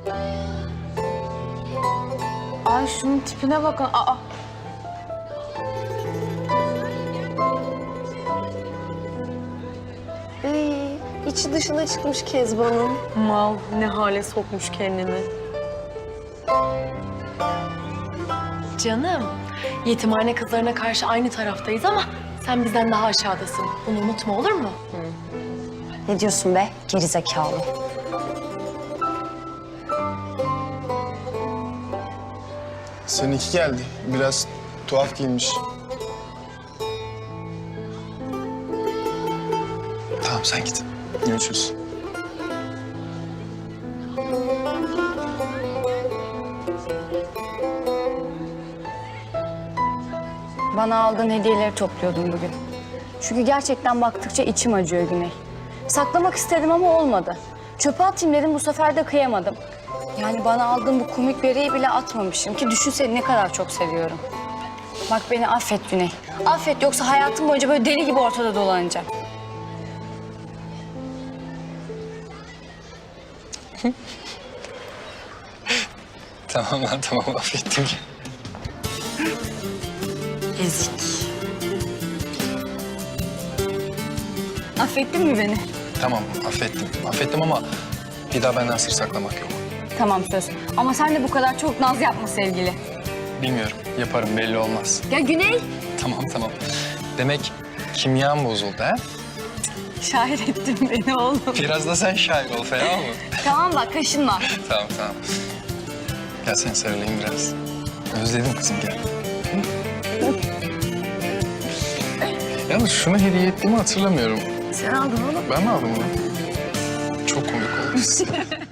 Ay şunun tipine bakın. Aa. İçi dışına çıkmış Kezban'ın. Mal ne hale sokmuş kendini. Canım, yetimhane kızlarına karşı aynı taraftayız ama sen bizden daha aşağıdasın. Bunu unutma, olur mu? Ne diyorsun be gerizekalı? Seninki geldi. Biraz tuhaf giyinmiş. Tamam sen git. Görüşürüz. Bana aldığın hediyeleri topluyordum bugün. Çünkü gerçekten baktıkça içim acıyor Güney. Saklamak istedim ama olmadı. Çöpe atayım dedim, bu sefer de kıyamadım. Yani bana aldığın bu komik bereyi bile atmamışım ki düşün seni ne kadar çok seviyorum. Bak beni affet Güney. Affet, yoksa hayatım boyunca böyle deli gibi ortada dolanacağım. Tamam lan tamam affettim. Ezik. Affettin mi beni? Tamam affettim. Affettim ama bir daha benden sır saklamak yok. Tamam, söz. Ama sen de bu kadar çok naz yapma sevgili. Bilmiyorum. Yaparım belli olmaz. Ya Güney! Tamam. Demek kimyam bozuldu ha? Şair ettin beni oğlum. Biraz da sen şair ol fena mı? Tamam bak, kaşınma. Tamam. Gel seni sarılayım biraz. Özledim kızım gel. Yalnız şunu hediye ettiğimi hatırlamıyorum. Sen aldın oğlum. Ben mi aldım bunu? Çok komik olmuş.